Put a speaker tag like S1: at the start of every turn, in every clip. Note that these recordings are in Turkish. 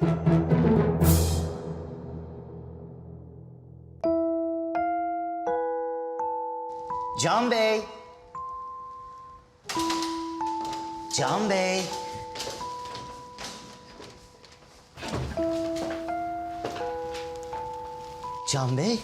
S1: Can Bey. Can Bey. Can Bey.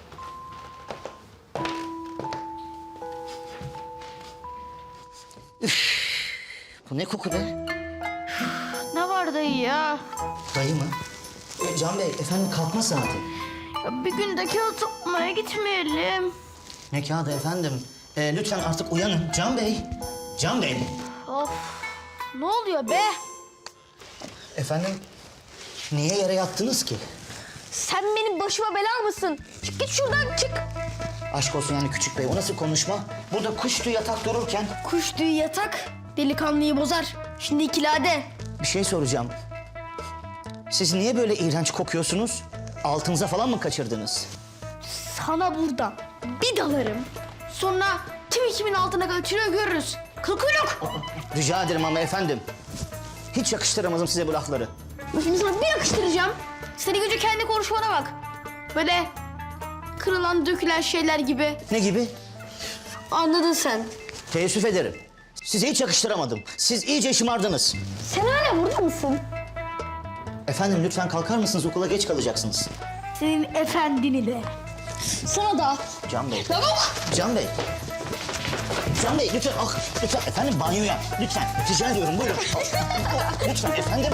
S1: Üf, bu ne koku be?
S2: Ne var dayı ya?
S1: Dayı mı? Can Bey, efendim kalkma saati.
S2: Ya bir günde kağıt toplamaya gitmeyelim.
S1: Ne kağıdı efendim? Lütfen artık uyanın. Can Bey. Can Bey.
S2: Of. Ne oluyor be?
S1: Efendim, niye yere yattınız ki?
S2: Sen benim başıma bela mısın? Çık git şuradan çık.
S1: Aşk olsun yani küçük bey, o nasıl konuşma? Burada kuş tüyü yatak dururken
S2: Kuş tüyü yatak delikanlıyı bozar. Şimdi ikilade.
S1: bir şey soracağım. Siz niye böyle iğrenç kokuyorsunuz? Altınıza falan mı kaçırdınız?
S2: Sana burada bir dalarım. Sonra kim kimin altına kaçırıyor görürüz. Kıl kuyruk.
S1: Rica ederim ama efendim. Hiç yakıştıramadım size bu lafları.
S2: Şimdi sana bir yakıştıracağım. Seni önce kendi konuşmana bak. Böyle kırılan dökülen şeyler gibi.
S1: Ne gibi?
S2: Anladın sen.
S1: Teessüf ederim. Size hiç yakıştıramadım. Siz iyice şımardınız.
S2: Sen hala burada mısın?
S1: Efendim lütfen kalkar mısınız? Okula geç kalacaksınız.
S2: Senin efendini de. Sana da.
S1: Can Bey.
S2: Tamam.
S1: Can Bey. Can Bey lütfen, lütfen efendim banyoya. Lütfen, rica ediyorum buyurun. Lütfen efendim.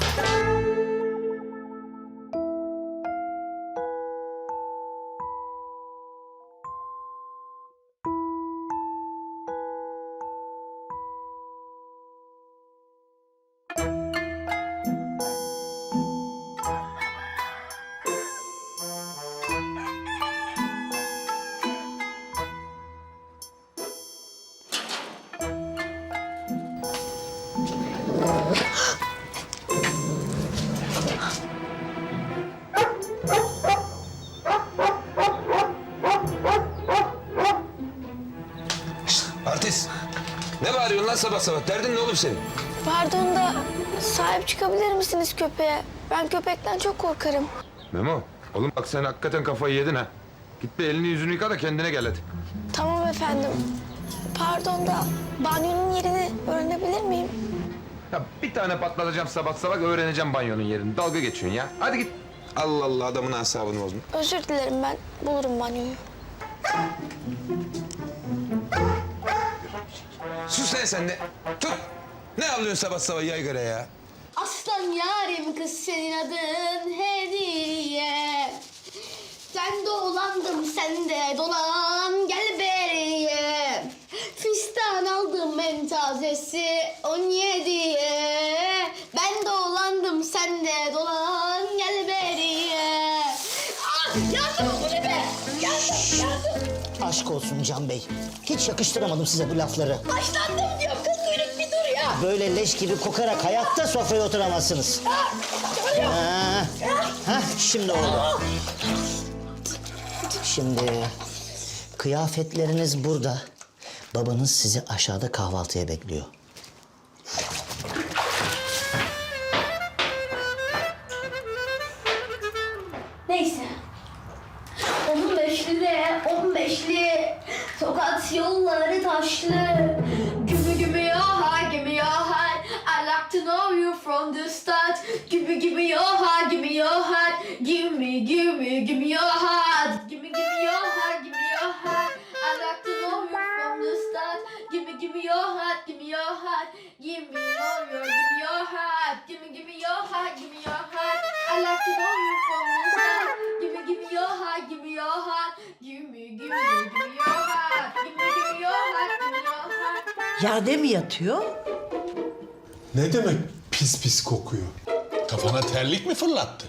S3: Artist. Ne bağırıyorsun lan sabah sabah? Derdin ne oğlum senin?
S4: Pardon da sahip çıkabilir misiniz köpeğe? Ben köpekten çok korkarım.
S3: Memo. Oğlum bak sen hakikaten kafayı yedin ha. Git bir elini yüzünü yıka da kendine gel hadi.
S4: Tamam efendim. Pardon da banyonun yerini öğrenebilir miyim?
S3: Ya bir tane patlatacağım sabah sabah öğreneceğim banyonun yerini. Dalga geçiyorsun ya. Hadi git. Allah Allah adamın asabını bozdun.
S4: Özür dilerim ben bulurum banyoyu.
S3: Sus lan sen de. Tut. Ne avlıyorsun sabah sabah yaygara ya?
S2: Aslan yarim kız senin adın hediye. Sen dolandım sen de dolan gel beriye. Fistan aldım en tazesi 17'ye. Ben dolandım sen de dolan gel beriye. Ah yandım bu ne be? Yandım.
S1: Aşk olsun Can Bey. Hiç yakıştıramadım size bu lafları.
S2: Başlandım diyorum kız kuyruk bir dur ya.
S1: Böyle leş gibi kokarak hayatta sofraya oturamazsınız. Şimdi oldu. Şimdi kıyafetleriniz burada. Babanız sizi aşağıda kahvaltıya bekliyor.
S2: Neyse. 15'li Tokat yolları taşlı. Give me your heart, give me your heart. I like to know you from the start. Give me your heart, give me your heart. Give me your heart. Give me your heart, give me your heart. I like to know you from the start. Give me your heart, give me your heart. Give me your heart. Give me your heart, give me your heart. I like to know you from the start. Give me your heart, give me your heart. Give me your heart. Give me your heart, give me your heart.
S5: Yerde mi yatıyor?
S6: Ne demek pis pis kokuyor?
S7: Kafana terlik mi fırlattı?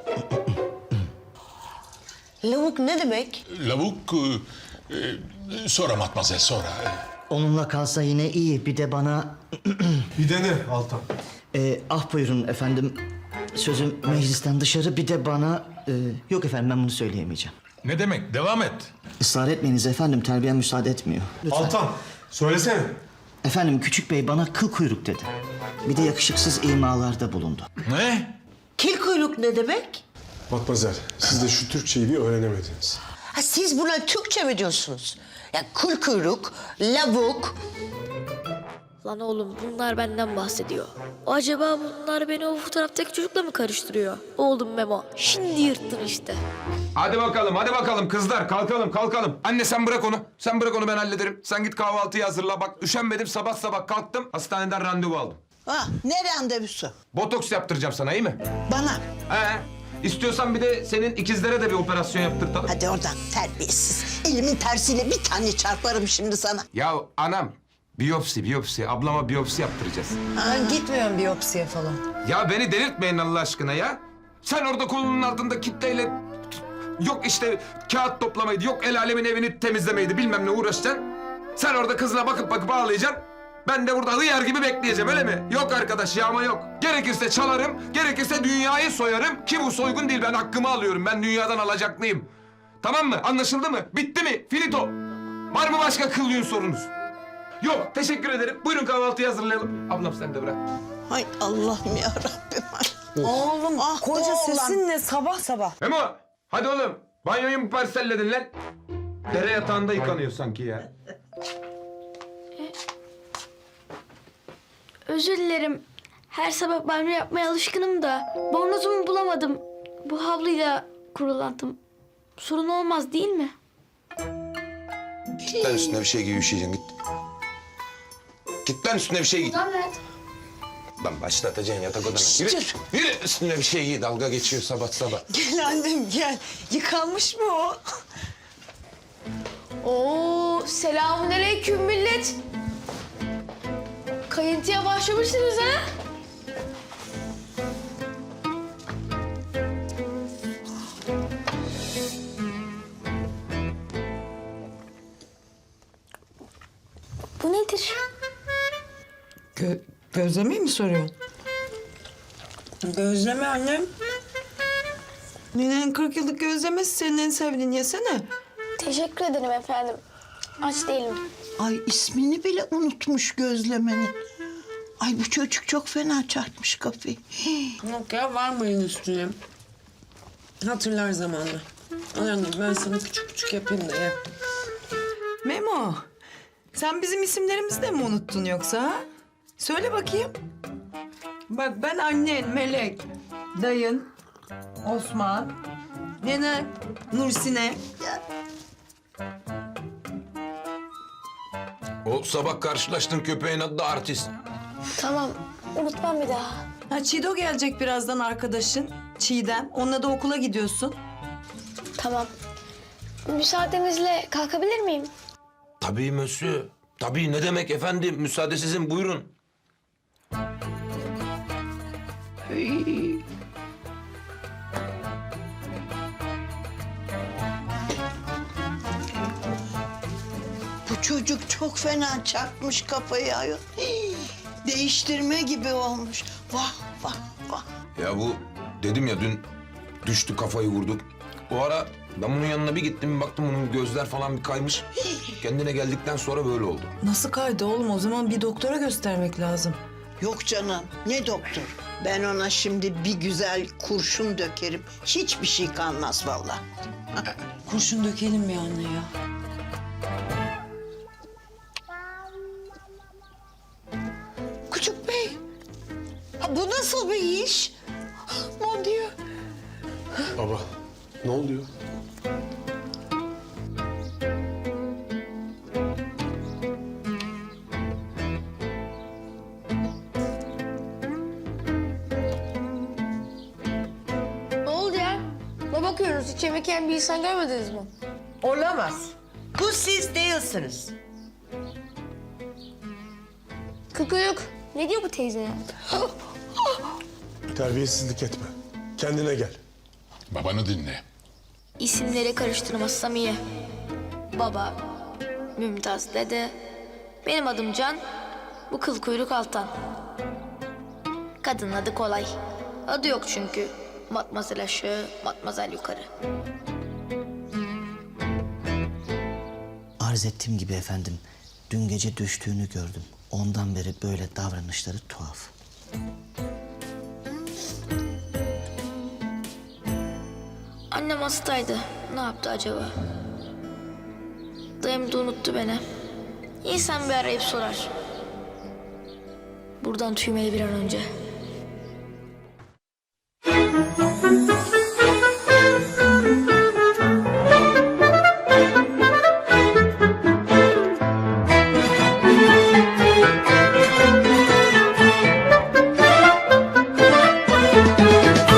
S5: Lavuk ne demek?
S7: Lavuk... sonra matmazel sonra.
S1: Onunla kalsa yine iyi. Bir de bana...
S6: Bir de ne Altan?
S1: ah buyurun efendim. Sözüm meclisten dışarı. Bir de bana... yok efendim ben bunu söyleyemeyeceğim.
S7: Ne demek? Devam et.
S1: Israr etmeyiniz efendim. Terbiyem müsaade etmiyor. Lütfen.
S6: Altan söylesene.
S1: Efendim küçük bey bana kıl kuyruk dedi. Bir de yakışıksız imalarda bulundu.
S7: Ne?
S5: Kim kuyruk ne demek?
S6: Matmazel, siz de şu Türkçeyi bir öğrenemediniz.
S5: Ha, siz buna Türkçe mi diyorsunuz? Ya kul kuyruk, lavuk.
S8: Lan oğlum bunlar benden bahsediyor. Acaba bunlar beni o fotoğraftaki çocukla mı karıştırıyor? Oğlum Memo, şimdi yırttın işte.
S3: Hadi bakalım kızlar kalkalım. Anne sen bırak onu. Sen bırak onu ben hallederim. Sen git kahvaltıyı hazırla bak. Üşenmedim sabah kalktım. Hastaneden randevu aldım.
S9: Ha, ne randevusu?
S3: Botoks yaptıracağım sana iyi mi?
S9: Bana.
S3: He. İstiyorsan bir de senin ikizlere de bir operasyon yaptırtalım.
S9: Hadi oradan terbiyesiz. Elimin tersiyle bir tane çarparım şimdi sana.
S3: Ya anam biyopsi. Ablama biyopsi yaptıracağız.
S5: Ben gitmiyorum biyopsiye falan.
S3: Ya beni delirtmeyin Allah aşkına ya. Sen orada kolunun altında kitleyle... Yok işte kağıt toplamaydı, yok el alemin evini temizlemeydi bilmem ne uğraşacaksın. Sen orada kızına bakıp ağlayacaksın. Ben de burada hıyar gibi bekleyeceğim öyle mi? Yok arkadaş yağma yok. Gerekirse çalarım, gerekirse dünyayı soyarım. Ki bu soygun değil ben hakkımı alıyorum. Ben dünyadan alacaklıyım. Tamam mı? Anlaşıldı mı? Bitti mi? Finito. Var mı başka kıl sorunuz? Yok teşekkür ederim. Buyurun kahvaltıyı hazırlayalım. Ablam sen de bırak.
S9: Hay Allah'ım ya Rabbim.
S5: Oğlum
S9: Ah,
S5: koca
S9: oğlan.
S5: sesin ne sabah sabah?
S3: Memo hadi oğlum. Banyoyu mu parselledin lan? Dere yatağında yıkanıyor sanki ya.
S2: Özür dilerim. Her sabah banyo yapmaya alışkınım da bornozumu bulamadım. Bu havluyla kurulandım. Sorun olmaz değil mi?
S3: Git lan üstüne bir şey giy üşüyeceksin git. Git lan üstüne bir şey giy.
S2: Evet.
S3: Lan başlatacaksın yatak odana. Yürü üstüne bir şey giy dalga geçiyor sabah.
S9: Gel annem gel. Yıkanmış mı o?
S2: Oo, selamünaleyküm millet. Kayıntıya başlamışsınız ha? Bu nedir?
S5: Gözlemeyi mi soruyorsun? Gözleme annem. Nenenin 40 yıllık gözlemesi senin en sevdiğin, yesene.
S2: Teşekkür ederim efendim. Aç değilim.
S9: Ay ismini bile unutmuş gözlemenin. Ay bu çocuk çok fena çarpmış kafayı.
S5: Yok ya varmayın üstüne. Hatırlar zamanla. Anladım ben sana küçük yapayım da ye. Memo, sen bizim isimlerimizi de mi unuttun yoksa? Ha? Söyle bakayım. Bak ben annen Melek, dayın Osman, nene Nursine.
S3: O sabah karşılaştığın köpeğin adı da artist.
S2: Tamam, unutmam bir daha.
S5: Ha Çiğdo gelecek birazdan arkadaşın. Çiğdem. Onunla da okula gidiyorsun.
S2: Tamam. Müsaadenizle kalkabilir miyim?
S3: Tabii monsieur. Tabii ne demek efendim müsaade sizin buyurun.
S9: Bu çocuk çok fena çarpmış kafayı ayol. Hii, değiştirme gibi olmuş. Vah vah vah.
S3: Ya bu dedim ya dün düştü kafayı vurduk. O ara ben bunun yanına bir gittim bir baktım bunun gözler falan bir kaymış. Kendine geldikten sonra böyle oldu.
S5: Nasıl kaydı oğlum? O zaman bir doktora göstermek lazım.
S9: Yok canım ne doktor. Ben ona şimdi bir güzel kurşun dökerim. Hiçbir şey kalmaz vallahi.
S5: Kurşun dökelim bir anne ya.
S9: Küçük bey. Ha, bu nasıl bir iş? Mon Dieu.
S6: Baba, ne oluyor?
S2: Ne oldu ya? Ne bakıyorsunuz? Hiç yemek yiyen bir insan görmediniz mi?
S5: Olamaz. Bu siz değilsiniz.
S2: Kıkıyık. Ne diyor bu teyze ya?
S6: Terbiyesizlik etme. Kendine gel.
S7: Babanı dinle.
S8: İsimleri karıştırmazsam iyi. Baba, Mümtaz dede, benim adım Can, bu kıl kuyruk Altan. Kadının adı kolay. Adı yok çünkü. Matmazel aşağı, matmazel yukarı.
S1: Arz ettiğim gibi efendim, dün gece düştüğünü gördüm. Ondan beri böyle davranışları tuhaf.
S8: Annem hastaydı. Ne yaptı acaba? Dayım da unuttu beni. İnsan bir arayıp sorar. Buradan tüymeli bir an önce.